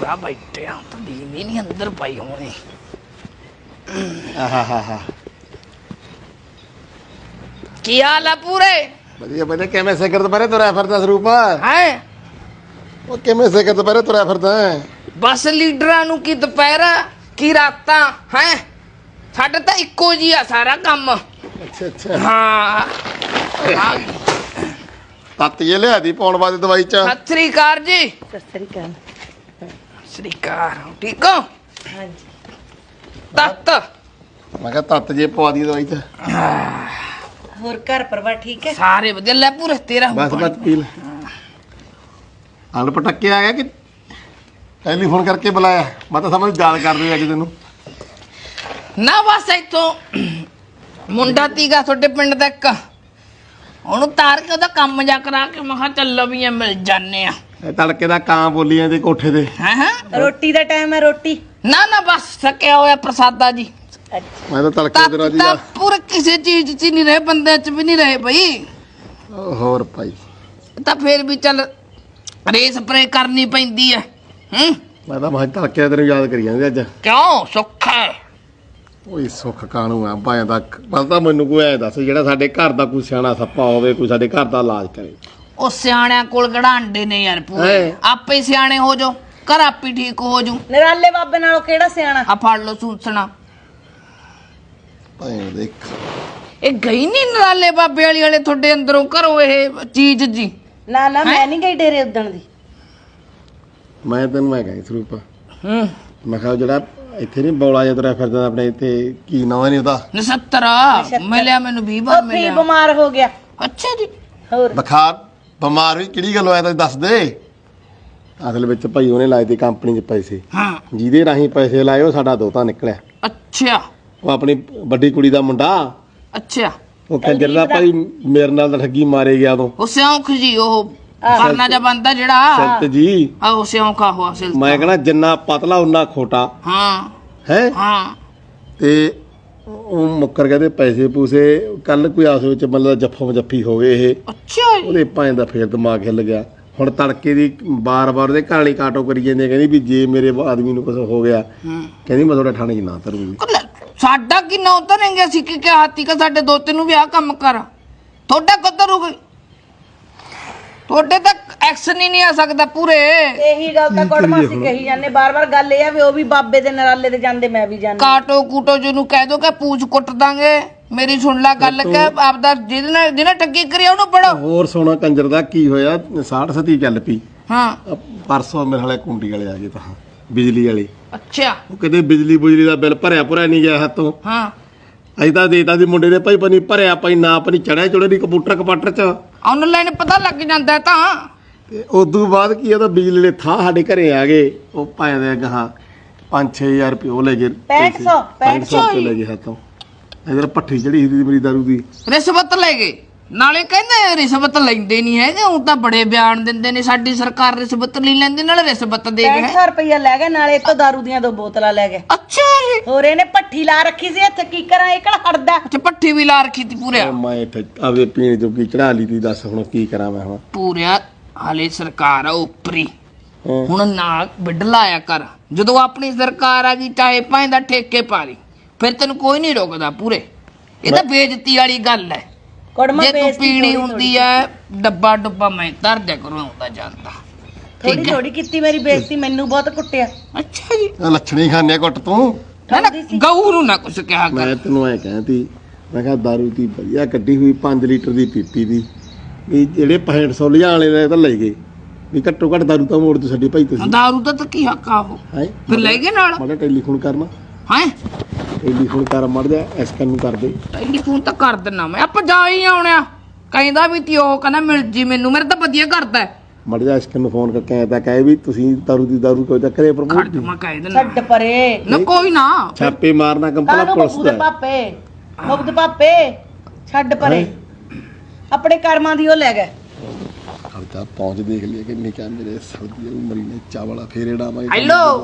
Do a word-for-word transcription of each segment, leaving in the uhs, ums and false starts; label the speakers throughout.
Speaker 1: ਪੂਰਾ ਬੈਠਿਆ ਤਾਂ ਦੀਦੀ ਨਹੀਂ ਅੰਦਰ ਪਈ ਹੋਣੀ।
Speaker 2: ਆਹਾਹਾ
Speaker 1: ਕੀ ਹਾਲ ਆ ਪੂਰੇ?
Speaker 2: ਵਧੀਆ ਵਧੀਆ। ਕਿਵੇਂ ਸਿਖਰ ਦੁਪਹਿਰੇ ਤੁਰਿਆ ਫਿਰਦਾ ਸਰੂਪ?
Speaker 1: ਹੈ
Speaker 2: ਉਹ ਕਿਵੇਂ ਸਿਖਰ ਦੁਪਹਿਰੇ ਤੁਰਿਆ ਫਿਰਦਾ?
Speaker 1: ਬਸ ਲੀਡਰਾਂ ਨੂੰ ਕੀ ਦੁਪਹਿਰਾ ਕੀ ਰਾਤਾਂ ਹੈ, ਸਾਡਾ ਤਾਂ ਇੱਕੋ ਜੀ ਆ ਸਾਰਾ ਕੰਮ।
Speaker 2: ਅੱਛਾ ਅੱਛਾ।
Speaker 1: ਹਾਂ
Speaker 2: ਤੱਤ ਜੇ ਲਿਆ ਦੀ ਪਾਉਣ ਵਾਸਤੇ ਦਵਾਈ ਚ।
Speaker 1: ਸਤਿ ਸ੍ਰੀ ਅਕਾਲ ਜੀ।
Speaker 3: ਸਤਿ ਸ੍ਰੀ ਅਕਾਲ।
Speaker 1: ਸ੍ਰੀ ਅਕਾਲ। ਠੀਕ ਹੋ?
Speaker 3: ਹਾਂਜੀ।
Speaker 1: ਤੱਤ
Speaker 2: ਮੈਂ ਕਿਹਾ ਤੱਤ ਜੇ ਪਵਾ ਦੀ ਦਵਾਈ ਚ।
Speaker 3: ਹੋਰ ਘਰ ਪਰਿਵਾਰ ਠੀਕ ਹੈ?
Speaker 1: ਸਾਰੇ ਵਧੀਆ। ਲੈ ਪੂਰੇ ਤੇਰਾ
Speaker 2: ਬਸ ਬਸ ਪੀ ਲੈ। ਹਲ ਪਟੱਕੇ ਆ ਗਿਆ ਕਿ ਟੈਲੀਫੋਨ ਕਰਕੇ ਬੁਲਾਇਆ? ਮੈਂ ਤਾਂ ਸਮਝ ਯਾਦ ਕਰਦੇ ਅੱਜ ਤੈਨੂੰ।
Speaker 1: ਨਾ ਬਸ ਇੱਥੋਂ ਮੁੰਡਾ ਤੀਗਾ ਤੁਹਾਡੇ ਪਿੰਡ ਦਾ ਇੱਕ, ਉਹਨੂੰ ਤਾਰ ਕੇ ਉਹਦਾ ਕੰਮ ਜਾ ਕਰਾ ਕੇ ਮੈਂ ਕਿਹਾ ਚੱਲੋ ਵੀ ਮਿਲ ਜਾਨੇ ਆ।
Speaker 2: ਇਹ ਤੜਕੇ ਦਾ ਕਾਂ ਬੋਲੀਆਂ ਦੇ ਕੋਠੇ ਤੇ।
Speaker 1: ਹਾਂ ਹਾਂ
Speaker 3: ਰੋਟੀ ਦਾ ਟਾਈਮ ਹੈ। ਰੋਟੀ
Speaker 1: ਨਾ ਨਾ ਬਸ ਸਕਿਆ ਹੋਇਆ ਪ੍ਰਸਾਦਾ ਜੀ।
Speaker 3: ਅੱਛਾ।
Speaker 2: ਮੈਂ ਤਾਂ ਤੜਕੇ ਦੇ ਰਾਜੀ
Speaker 1: ਤਾਂ ਪੂਰੇ ਕਿਸੇ ਚੀਜ਼ 'ਚ ਨਹੀਂ ਰਹੇ, ਬੰਦਿਆਂ 'ਚ ਵੀ ਨਹੀਂ ਰਹੇ ਬਈ।
Speaker 2: ਹੋਰ ਭਾਈ
Speaker 1: ਤਾਂ ਫੇਰ ਵੀ ਚੱਲ ਰੇ ਸਪਰੇ ਕਰਨੀ ਪੈਂਦੀ ਹੈ। ਹੂੰ
Speaker 2: ਮੈਂ ਤਾਂ ਮੈਂ ਤੜਕੇ ਤੈਨੂੰ ਯਾਦ ਕਰੀ ਜਾਂਦੇ ਅੱਜ।
Speaker 1: ਕਿਉਂ ਸੁੱਖ ਹੈ?
Speaker 2: ਓਏ ਸੁੱਖ ਕਾਣੂ ਆ ਭਾਵੇਂ ਦਾ ਬਸ ਤਾਂ ਮੈਨੂੰ ਕੋਈ ਐ ਦੱਸ ਜਿਹੜਾ ਸਾਡੇ ਘਰ ਦਾ ਕੋਈ ਸਿਆਣਾ ਸੱਪਾ ਹੋਵੇ, ਕੋਈ ਸਾਡੇ ਘਰ ਦਾ ਇਲਾਜ ਕਰੇ।
Speaker 1: ਉਹ ਸਿਆਣਿਆਂ ਕੋਲ ਕਿਹੜਾ ਅੰਡੇ ਨੇ ਯਾਰ ਪੂਰੇ,
Speaker 2: ਹੈਂ।
Speaker 1: ਆਪੇ ਹੀ ਸਿਆਣੇ ਹੋ ਜਾਓ, ਘਰ ਆਪੇ ਹੀ ਠੀਕ ਹੋ ਜੂ।
Speaker 3: ਨਰਾਲੇ ਬਾਬੇ ਨਾਲੋਂ ਕਿਹੜਾ ਸਿਆਣਾ?
Speaker 1: ਆ ਫੜ ਲਓ ਸੂਸਣਾ।
Speaker 2: ਭਾਵੇਂ ਦੇਖ
Speaker 1: ਇਹ ਗਈ ਨਹੀਂ ਨਰਾਲੇ ਬਾਬੇ ਵਾਲੀ ਵਾਲੇ ਤੁਹਾਡੇ ਅੰਦਰੋਂ ਘਰੋਂ ਇਹ ਚੀਜ਼ ਜੀ?
Speaker 3: ਨਾ ਨਾ ਮੈਂ ਨਹੀਂ ਗਈ ਡੇਰੇ ਉਦਣ ਦੀ।
Speaker 2: ਮੈਂ ਤੈਨੂੰ ਮੈਂ ਕਹਾਂ ਸਰੂਪ,
Speaker 1: ਹੂੰ
Speaker 2: ਮੈਂ ਕਿਹਾ ਜਿਹੜਾ ਇੱਥੇ ਨਹੀਂ ਬੌਲਾ ਜਿਹਾ ਤੁਰਿਆ ਫਿਰਦਾ ਆਪਣੇ ਇੱਥੇ, ਕੀ ਨਾਂ ਨਹੀਂ ਉਹਦਾ?
Speaker 1: ਨਛੱਤਰਾ ਮਿਲਿਆ ਮੈਨੂੰ ਵੀਹ ਵਾਰ
Speaker 3: ਉਹ ਵੀ
Speaker 1: ਮਿਲਿਆ।
Speaker 3: ਬਿਮਾਰ ਹੋ ਗਿਆ।
Speaker 1: ਅੱਛਾ ਜੀ।
Speaker 3: ਹੋਰ
Speaker 2: ਬੁਖਾਰ ਬਿਮਾਰ ਵੀ ਕਿਹੜੀ ਗੱਲ ਹੋਇਆ ਤਾਂ ਦੱਸ ਦੇ। ਅਸਲ ਵਿੱਚ ਭਾਈ ਉਹਨੇ ਲਾਏ ਤੇ ਕੰਪਨੀ 'ਚ ਪੈਸੇ,
Speaker 1: ਹਾਂ
Speaker 2: ਜਿਹਦੇ ਰਾਹੀਂ ਪੈਸੇ ਲਾਏ ਉਹ ਸਾਡਾ ਦੋਤਾ ਨਿਕਲਿਆ।
Speaker 1: ਅੱਛਾ
Speaker 2: ਉਹ ਆਪਣੀ ਵੱਡੀ ਕੁੜੀ ਦਾ ਮੁੰਡਾ,
Speaker 1: ਅੱਛਾ।
Speaker 2: ਉਹ ਕੰਜਰ ਦਾ ਭਾਈ ਮੇਰੇ ਨਾਲ ਤਾਂ ਠੱਗੀ ਮਾਰੇ ਗਿਆ ਉਦੋਂ।
Speaker 1: ਉਹ ਸਿਉਂਖ ਜੀ, ਉਹ ਕਰਨਾ ਜਾ ਬੰਦਾ ਜਿਹੜਾ
Speaker 2: ਸੰਤ ਜੀ।
Speaker 1: ਆਹੋ ਸਿਉਂਖ ਆਹੋ ਅਸਲ
Speaker 2: ਮੈਂ ਕਹਣਾ ਜਿੰਨਾ ਪਤਲਾ ਉਨਾ ਖੋਟਾ
Speaker 1: ਹਾਂ
Speaker 2: ਹੈ।
Speaker 1: ਹਾਂ
Speaker 2: ਤੇ ਉਹ ਮੁੱਕਰ ਗਏ ਤੇ ਪੈਸੇ ਪੂਸੇ। ਕੱਲ ਕੋਈ ਆਸ ਵਿੱਚ ਮਤਲਬ ਜੱਫੋ ਜੱਫੀ ਹੋ ਗਏ ਇਹ।
Speaker 1: ਅੱਛਾ ਜੀ।
Speaker 2: ਉਹਦੇ ਭਾਂ ਦਾ ਫੇਰ ਦਿਮਾਗ ਹਿੱਲ ਗਿਆ। ਹੁਣ ਤੜਕੇ ਦੀ ਬਾਰ-ਬਾਰ ਉਹਦੇ ਕਹਾਣੀ ਕਾਟੋ ਕਰੀ ਜਾਂਦੇ, ਕਹਿੰਦੀ ਵੀ ਜੇ ਮੇਰੇ ਆਦਮੀ ਨੂੰ ਕੁਝ ਹੋ ਗਿਆ,
Speaker 1: ਹੂੰ
Speaker 2: ਕਹਿੰਦੀ ਮੈਂ ਤੁਹਾਡੇ ਥਾਣੇ 'ਚ ਨਾ ਧਰੂੰਗੀ।
Speaker 1: ਸਾਡਾ ਕਿੰਨਾ ਉਤਰਨਗੇ? ਅਸੀਂ ਕੀ ਕਿਹਾ ਹਾਤੀ ਕਾ ਸਾਡੇ ਦੋ ਤਿੰਨ ਨੂੰ ਵੀ ਆਹ ਕੰਮ ਕਰ। ਤੁਹਾਡਾ ਕਦਰ ਹੋ ਗਈ? ਤੁਹਾਡੇ ਤਾਂ ਐਕਸ਼ਨ ਹੀ ਨਹੀਂ ਆ ਸਕਦਾ ਪੂਰੇ।
Speaker 3: ਇਹੀ ਗੱਲ ਤਾਂ ਕੋੜਮਾਸੀ ਕਹੀ ਜਾਂਦੇ ਬਾਰ-ਬਾਰ। ਗੱਲ ਇਹ ਆ ਵੀ ਉਹ ਵੀ ਬਾਬੇ ਦੇ ਨਰਾਲੇ ਤੇ ਜਾਂਦੇ, ਮੈਂ ਵੀ ਜਾਂਦੀ।
Speaker 1: ਕਾਟੋ ਕੂਟੋ ਜਿਹਨੂੰ ਕਹਿ ਦੋ ਕਿ ਪੂਛ ਕੁੱਟ ਦਾਂਗੇ। ਮੇਰੀ ਸੁਣ ਲੈ ਗੱਲ ਕਿ ਆਪਦਾ ਜਿਹਦੇ ਨਾਲ ਜਿਹਨੇ ਠੱਗੀ ਕਰੀ ਉਹਨੂੰ ਪੜੋ।
Speaker 2: ਹੋਰ ਸੋਨਾ ਕੰਜਰ ਦਾ ਕੀ ਹੋਇਆ? ਸਾਠ ਸਤੀ ਚੱਲ ਪਈ।
Speaker 1: ਹਾਂ
Speaker 2: ਅਹ ਪਰਸੋਂ ਮੇਰੇ ਹਾਲੇ ਕੁੰਡੀ ਵਾਲੇ ਆ ਗਏ ਤਾਂ ਬਿਜਲੀ ਵਾਲੇ।
Speaker 1: ਅੱਛਾ।
Speaker 2: ਉਹ ਕਹਿੰਦੇ ਬਿਜਲੀ ਬੁਜਲੀ ਦਾ ਬਿੱਲ ਭਰਿਆ ਭਰਿਆ ਨਹੀਂ ਗਿਆ ਹੱਥੋਂ।
Speaker 1: ਹਾਂ
Speaker 2: ਅਸੀਂ ਤਾਂ ਦੇਤਾ ਸੀ ਮੁੰਡੇ ਦੇ ਭਾਈ, ਪਨੀ ਭਰਿਆ ਭਾਈ ਨਾ ਪਨੀ ਚੜਿਆ ਚੁੜੇ ਦੀ ਕੰਪਿਊਟਰ ਕਪਾਟਰ 'ਚ।
Speaker 1: ਆਨਲਾਈਨ ਪਤਾ ਲੱਗ ਜਾਂਦਾ ਤਾਂ।
Speaker 2: ਤੇ ਉਦੋਂ ਬਾਅਦ ਕੀ ਉਹਦਾ ਬਿਜਲੀ ਦੇ ਥਾਂ ਸਾਡੇ ਘਰੇ ਆ ਗਏ। ਉਹ ਭਾਵੇਂ ਦੇ ਗਾਹਾਂ ਪੰਜ ਛੇ ਹਜ਼ਾਰ ਰੁਪਏ ਉਹ ਲੈ ਗਏ।
Speaker 3: ਪੈਂਹਠ ਸੌ
Speaker 2: ਪੰਜ ਸੌ ਰੁਪਏ ਲੈ ਗਏ ਹੱਥੋਂ। ਇਧਰ ਪੱਠੀ ਚੜੀ ਸੀ ਮੇਰੀ ਦਾਰੂ ਦੀ।
Speaker 1: ਰਿਸ਼ਵਤ ਲੈ ਗਏ ਨਾਲੇ। ਕਹਿੰਦੇ ਰਿਸ਼ਵਤ ਲੈਂਦੇ ਨਹੀਂ ਹੈਗੇ, ਉਹ ਤਾਂ ਬੜੇ ਬਿਆਨ ਦਿੰਦੇ ਨੇ ਸਾਡੀ ਸਰਕਾਰ ਰਿਸ਼ਵਤ ਨਹੀਂ ਲੈਂਦੀ, ਨਾਲੇ ਰਿਸ਼ਵਤ ਦੇ
Speaker 3: ਪੈਂਹਠ
Speaker 1: ਗਏ।
Speaker 3: ਸੌ ਰੁਪਇਆ ਲੈ ਗਏ, ਨਾਲੇ ਇੱਕ ਦਾਰੂ ਦੀਆਂ ਦੋ ਬੋਤਲਾਂ ਲੈ ਗਏ।
Speaker 1: ਅੱਛਾ ਜੀ।
Speaker 3: ਹੋਰ ਇਹਨੇ ਭੱਠੀ ਲਾ ਰੱਖੀ ਸੀ ਇੱਥੇ, ਕੀ ਕਰਾਂ ਇਹ ਕਿਹੜਾ ਹਟਦਾ।
Speaker 1: ਅੱਛਾ ਪੱਠੀ ਵੀ ਲਾ ਰੱਖੀ ਤੀ ਪੂਰਿਆ।
Speaker 2: ਉਹ ਮੈਂ ਇੱਥੇ ਆਪਦੇ ਪੀਣ ਜੋਗੀ ਚੜਾ ਲਈ ਤੀ। ਦੱਸ ਹੁਣ ਕੀ ਕਰਾਂ ਮੈਂ ਹੁਣ?
Speaker 1: ਪੂਰਿਆ ਹਾਲੇ ਸਰਕਾਰ ਆ ਉਪਰੀ,
Speaker 2: ਹੈਂ।
Speaker 1: ਹੁਣ ਨਾ ਬਿੱਡ ਲਾਇਆ ਕਰ। ਜਦੋਂ ਆਪਣੀ ਸਰਕਾਰ ਆ ਗਈ ਚਾਹੇ ਭਾਵੇਂ ਦਾ ਠੇਕੇ ਪਾ ਲਈ, ਫਿਰ ਤੈਨੂੰ ਕੋਈ ਨਹੀਂ ਰੋਕਦਾ ਪੂਰੇ। ਇਹ ਤਾਂ ਬੇਇੱਜ਼ਤੀ ਵਾਲੀ ਗੱਲ ਹੈ।
Speaker 3: ਕੋੜਮਾ
Speaker 1: ਜੇ ਤੂੰ
Speaker 3: ਬੇਇੱਜ਼ਤੀ
Speaker 1: ਪੀਣੀ
Speaker 3: ਥੋੜ੍ਹੀ
Speaker 1: ਹੁੰਦੀ ਐ ਡੱਬਾ ਡੁੱਬਾ ਮੈਂ ਧਰ ਦਿਆ ਕਰੂੰ, ਆਉਂਦਾ ਜਾਂਦਾ।
Speaker 3: ਥੋੜੀ ਥੋੜੀ ਕੀਤੀ ਮੇਰੀ ਬੇਇੱਜ਼ਤੀ, ਮੈਨੂੰ ਬਹੁਤ ਕੁੱਟਿਆ।
Speaker 1: ਅੱਛਾ ਜੀ।
Speaker 2: ਆਹ ਲੱਛਣੀ ਖਾਣੇ ਘੁੱਟ ਤੂੰ।
Speaker 1: ਨਾ ਨਾ ਗਊ ਨੂੰ ਨਾ ਕੁਛ ਕਿਹਾ ਕਰ।
Speaker 2: ਮੈਂ ਤੈਨੂੰ ਐ ਕਹਿੰਦੀ, ਮੈਂ ਕਿਹਾ ਦਾਰੂ ਦੀ ਵਧੀਆ ਕੱਢੀ ਹੋਈ ਪੰਜ ਲੀਟਰ ਦੀ ਪੀਪੀ ਦੀ, ਵੀ ਜਿਹੜੇ ਪੈਂਹਠ ਸੌ ਲਿਜਾਣ ਵਾਲੇ ਨੇ ਤਾਂ ਲੈ ਗਏ, ਵੀ ਘੱਟੋ ਘੱਟ ਦਾਰੂ ਤਾਂ ਮੋੜ ਦੋ ਸਾਡੀ ਭਾਈ ਤੁਸੀਂ।
Speaker 1: ਦਾਰੂ ਦਾ ਤਾਂ ਕੀ ਹੱਕ ਆ ਉਹ?
Speaker 2: ਹੈ
Speaker 1: ਫਿਰ ਲੈ ਗਏ ਨਾਲ।
Speaker 2: ਮਾੜਾ ਟੈਲੀਫੋਨ ਕਰਨਾ,
Speaker 1: ਹੈ
Speaker 2: ਟੈਲੀਫੋਨ ਕਰ ਮੜ ਜਾ ਐਸਕਨ ਨੂੰ ਕਰ ਦੇ।
Speaker 1: ਟੈਲੀਫੋਨ ਤਾਂ ਕਰ ਦਿੰਨਾ ਮੈਂ, ਆਪਾਂ ਜਾ ਹੀ ਆਉਣਿਆ। ਕਹਿੰਦਾ ਵੀ ਤੀ ਉਹ ਕਹਿੰਦਾ ਮਿਲ ਜੀ ਮੈਨੂੰ, ਮੇਰੇ ਤਾਂ ਵਧੀਆ ਕਰਦਾ।
Speaker 2: ਮੜ ਜਾ ਐਸਕਨ ਨੂੰ ਫੋਨ ਕਰਕੇ ਐ ਤਾਂ ਕਹੇ ਵੀ ਤੁਸੀਂ ਦਾਰੂ ਦੀ ਦਾਰੂ ਕੋਈ ਤਾਂ ਕਰੇ
Speaker 1: ਖੜ
Speaker 2: ਪ੍ਰਮੋਟ
Speaker 1: ਜਾ ਮੈਂ ਕਹਿ ਦਿੰਨਾ।
Speaker 3: ਛੱਡ ਪਰੇ
Speaker 1: ਨਾ ਕੋਈ ਨਾ।
Speaker 2: ਛਾਪੇ ਮਾਰਨਾ ਕੰਪਲਾ
Speaker 3: ਕਾਹਨੂੰ
Speaker 2: ਪੁਲਿਸ
Speaker 3: ਮੁਗਦ
Speaker 2: ਦਾ।
Speaker 3: ਪਾਪੇ ਮੁਗਦ ਪਾਪੇ ਛੱਡ ਪਰੇ, ਆਪਣੇ ਕਰਮਾਂ ਦੀ ਉਹ ਲੈ ਗਏ।
Speaker 2: ਖਰਚਾ ਪਹੁੰਚ ਦੇਖ ਲਿਆ ਕਿ ਨਿਕਾ ਮੇਰੇ ਸਰਦੀ ਉਮਰੀ ਨੇ ਚਾਵਲਾ ਫੇਰੇੜਾ ਮੈਂ।
Speaker 1: ਹੈਲੋ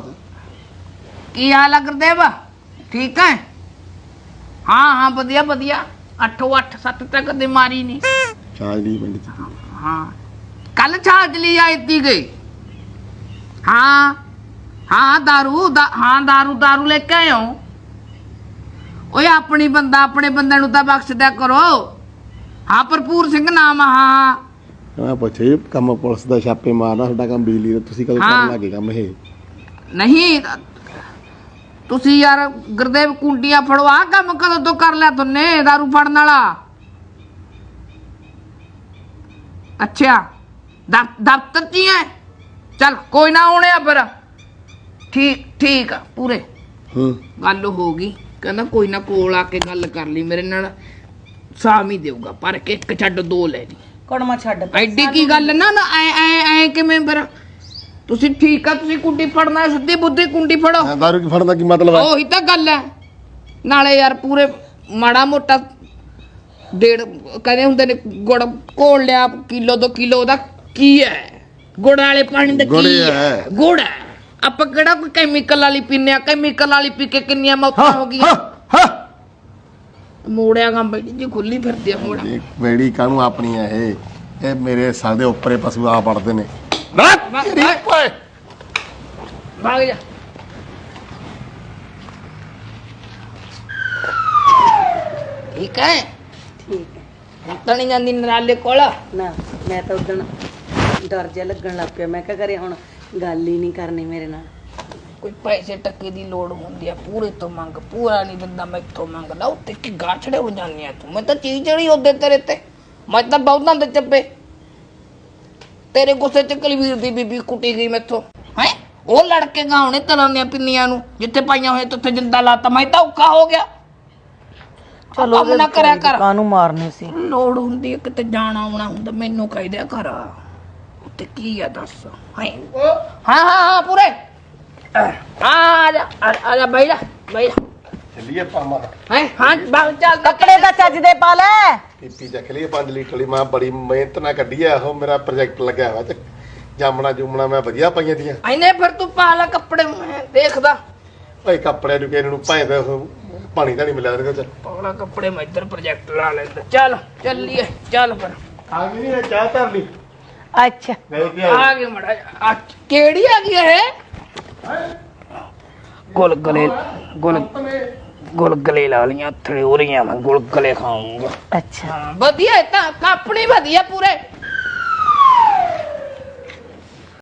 Speaker 1: ਕੀ ਹਾਲ ਆ ਗੁਰਦੇਵ? ਠੀਕ ਹੈ? ਹਾਂ ਹਾਂ ਵਧੀਆ ਵਧੀਆ। ਅੱਠੋ ਅੱਠ ਸੱਤ ਤੱਕ ਦੀ ਮਾਰੀ ਨਹੀਂ।
Speaker 2: ਚਾਜਲੀ ਪਿੰਡ ਚ
Speaker 1: ਹਾਂ ਕੱਲ ਛਾਜਲੀ ਆਈ ਤੀ ਗਈ। ਹਾਂ ਹਾਂ दारू ਦਾ ਹਾਂ दारू दारू ਲੈ ਕੇ ਆਇਓ ਓਏ ਆਪਣੀ ਬੰਦਾ ਆਪਣੇ ਬੰਦੇ ਨੂੰ ਤਾਂ ਬਖਸ਼ ਦਿਆ ਕਰੋ ਹਾਂ ਭਰਪੂਰ ਸਿੰਘ ਨਾਮ ਆ, ਹਾਂ
Speaker 2: ਮੈਂ ਪੁੱਛੇ ਕੰਮ ਪੁਲਿਸ ਦਾ ਛਾਪੇ ਮਾਰਨਾ ਤੁਹਾਡਾ ਕੰਮ ਬਿਜਲੀ ਦਾ ਤੁਸੀਂ ਕਦੋਂ ਕਰਨ ਲੱਗੇ ਕੰਮ ਇਹ
Speaker 1: ਨਹੀਂ ਤੁਸੀਂ ਯਾਰ ਗੁਰਦੇਵ ਕੁੰਡੀਆਂ ਫੜਵਾ ਕੰਮ ਕਦੋਂ ਤੋਂ ਕਰ ਲਿਆ ਤੁਨੇ दारू ਫੜਨ ਵਾਲਾ ਅੱਛਾ ਦਫ਼- ਦਫ਼ਤਰ ਚ ਹੀ ਹੈ ਚੱਲ ਕੋਈ ਨਾ ਆਉਣੇ ਆ ਫਿਰ ਠੀਕ ਠੀਕ ਆ ਪੂਰੇ
Speaker 2: ਹੂੰ
Speaker 1: ਗੱਲ ਹੋ ਗਈ ਕਹਿੰਦਾ ਕੋਈ ਨਾ ਕੋਲ ਆ ਕੇ ਗੱਲ ਕਰ ਲਈ ਮੇਰੇ ਨਾਲ ਸਾਮ ਹੀ ਦੇਊਗਾ ਪਰ ਕਿ ਇੱਕ ਛੱਡ ਦੋ ਲੈ ਲਈ
Speaker 3: ਕੜਮਾ ਛੱਡ ਪਰੇ।
Speaker 1: ਐਡੀ ਕੀ ਗੱਲ ਨਾ ਨਾ ਐ ਐ ਐ ਕਿਵੇਂ ਫਿਰ ਤੁਸੀਂ ਠੀਕ ਆ ਤੁਸੀਂ ਕੁੰਡੀ ਫੜਨਾ ਹੈ, ਸਿੱਧੀ ਬੁੱਧੀ ਕੁੰਡੀ ਫੜੋ
Speaker 2: ਹਾਂ, ਦਾਰੂ ਕੀ ਫੜਨ ਦਾ ਕੀ ਮਤਲਬ ਹੈ
Speaker 1: ਉਹੀ ਤਾਂ ਗੱਲ ਹੈ ਨਾਲੇ ਯਾਰ ਪੂਰੇ ਮਾੜਾ ਮੋਟਾ ਡੇਢ ਕਹਿੰਦੇ ਹੁੰਦੇ ਨੇ ਗੁੜ ਘੋਲ ਲਿਆ ਕਿਲੋ ਦੋ ਕਿਲੋ ਦਾ ਕੀ ਹੈ ਗੁੜ ਵਾਲੇ ਪਾਣੀ ਦਾ
Speaker 2: ਗੁੜ
Speaker 1: ਕੀ
Speaker 2: ਹੈ।
Speaker 1: ਹੈ ਗੁੜ ਹੈ ਆਪਾਂ ਕਿਹੜਾ ਕੋਈ ਕੈਮੀਕਲ ਵਾਲੀ ਪੀਨੇ ਆ ਕੈਮੀਕਲ ਵਾਲੀ ਪੀ ਕੇ ਕਿੰਨੀਆਂ ਮੌਤਾਂ ਹੋ ਗਈਆਂ ਮੋੜਿਆ ਗਾਂ ਬੈਠੀ ਜੀ ਖੁੱਲੀ ਫਿਰਦੀ ਆ ਮੋੜਾ
Speaker 2: ਇਹ ਬੇੜੀ ਕਾਹਨੂੰ ਆਪਣੀ ਹੈ ਇਹ ਇਹ ਮੇਰੇ ਸਾਲ ਦੇ ਉੱਪਰੇ ਪਸ਼ੂ ਆ ਪੜਦੇ ਨੇ ਓਏ
Speaker 1: ਭਾਗ ਜਾ ਠੀਕ ਹੈ
Speaker 3: ਠੀਕ ਹੈ
Speaker 1: ਹੁਣ ਤਾਂ ਨਹੀਂ ਜਾਂਦੀ ਨਰਾਲੇ ਕੋਲ
Speaker 3: ਨਾ ਮੈਂ ਤਾਂ ਉਦਣ ਡਰ ਜਿਹਾ ਲੱਗਣ ਲੱਗ ਪਿਆ ਮੈਂ ਕਿਹਾ ਕਰੇ ਹੁਣ ਗੱਲ ਹੀ ਨਹੀਂ ਕਰਨੀ ਮੇਰੇ ਨਾਲ
Speaker 1: ਕੋਈ ਪੈਸੇ ਟੱਕੇ ਦੀ ਲੋੜ ਹੁੰਦੀ ਆ ਪੂਰੇ ਤੋਂ ਮੰਗ ਪੂਰਾ ਨਹੀਂ ਦਿੰਦਾ ਮੈਥੋਂ ਮੰਗਦਾ ਉੱਤੇ ਕੀ ਗਾਛੜੇ ਹੋ ਜਾਂਦੀ ਆ ਤੂੰ ਮੈਂ ਤਾਂ ਚੀਜ਼ ਜਿਹੜੀ ਉਹਦੇ ਤੇਰੇ ਤੇ ਮੈਂ ਤਾਂ ਬਹੁਤਾਂ ਦੇ ਚੱਪੇ ਤੇਰੇ ਗੁੱਸੇ ਚ ਕਲਵੀਰ ਦੀ ਬੀਬੀ ਕੁੱਟੀ ਗਈ ਮੈਥੋਂ ਹੈ ਉਹ ਲੜਕੇ ਗਾਉਣੇ ਤਲਾਂ ਦੀਆਂ ਪਿੰਨੀਆਂ ਨੂੰ ਜਿੱਥੇ ਪਾਈਆਂ ਹੋਏ ਉੱਥੇ ਜਿੰਦਾ ਲਾਤਾ ਮੈਂ ਤਾਂ ਔਖਾ ਹੋ ਗਿਆ ਚਲੋ ਕੰਮ ਨਾ ਕਰਿਆ ਕਰ
Speaker 3: ਕਾਨੂੰ ਮਾਰਨੇ ਸੀ
Speaker 1: ਲੋੜ ਹੁੰਦੀ ਹੈ ਕਿਤੇ ਜਾਣਾ ਆਉਣਾ ਹੁੰਦਾ ਮੈਨੂੰ ਕਹਿ ਦਿਆ ਕਰ ਉੱਤੇ ਕੀ ਆ ਦੱਸ ਹੈ ਹਾਂ ਹਾਂ ਹਾਂ ਪੂਰੇ ਆ ਆ ਜਾ ਆ ਆ ਜਾ ਬੈਠ ਜਾ ਬੈਠ ਜਾ
Speaker 2: ਚੱਲੀਏ ਪਾਮਾ
Speaker 1: ਹੈ ਹਾਂ ਬਾਗ ਚੱਲ
Speaker 3: ਕੱਪੜੇ ਤਾਂ ਚੱਜ ਦੇ ਪਾ ਲੈ
Speaker 2: ਪੀਪੀ ਚੱਕ ਲਈ ਪੰਜ ਲੀਟਰ ਵਾਲੀ ਮੈਂ ਬੜੀ ਮਿਹਨਤ ਨਾਲ ਕੱਢੀ ਆ ਉਹ ਮੇਰਾ ਪ੍ਰੋਜੈਕਟ ਲੱਗਿਆ ਹੋਇਆ ਤੇ ਜਾਮਣਾ ਜੁਮਣਾ ਮੈਂ ਵਧੀਆ ਪਾਈਆਂ ਦੀਆਂ
Speaker 1: ਐਨੇ ਫਿਰ ਤੂੰ ਪਾ ਲੈ ਕੱਪੜੇ ਮੈਂ ਦੇਖਦਾ
Speaker 2: ਭਾਈ ਕੱਪੜੇ ਨੂੰ ਕਿਹਨੂੰ ਨੂੰ ਭਾਵੇਂ ਉਹ ਪਾਣੀ ਤਾਂ ਨਹੀਂ ਮਿਲਿਆ ਉਹਦੇ ਚ
Speaker 1: ਪਾਲਾ ਕੱਪੜੇ ਮੈਂ ਇੱਧਰ ਪ੍ਰੋਜੈਕਟ ਲਾ ਲੈਂਦਾ ਚੱਲ ਚੱਲੀਏ ਚੱਲ ਫਿਰ
Speaker 2: ਆ ਗਈ ਨਹੀਂ ਚਾਹ ਧਰ ਲਈ
Speaker 3: ਅੱਛਾ
Speaker 2: ਗਏ ਕੀ
Speaker 1: ਆ ਗਏ ਮੜਾ ਆ ਕਿਹੜੀ ਆ ਗਈ ਇਹ ਗੁਲਗਲੇ ਗੁਲ ਗੁਲਗਲੇ ਲਾ ਲੀਆਂ ਥੜੇ ਹੋ ਰਹੀਆਂ ਮੈਂ ਗੁਲਗਲੇ ਖਾਊਂਗਾ
Speaker 3: ਅੱਛਾ
Speaker 1: ਹਾਂ ਵਧੀਆ ਹੈ ਤਾਂ ਆਪਣੀ ਵਧੀਆ ਪੂਰੇ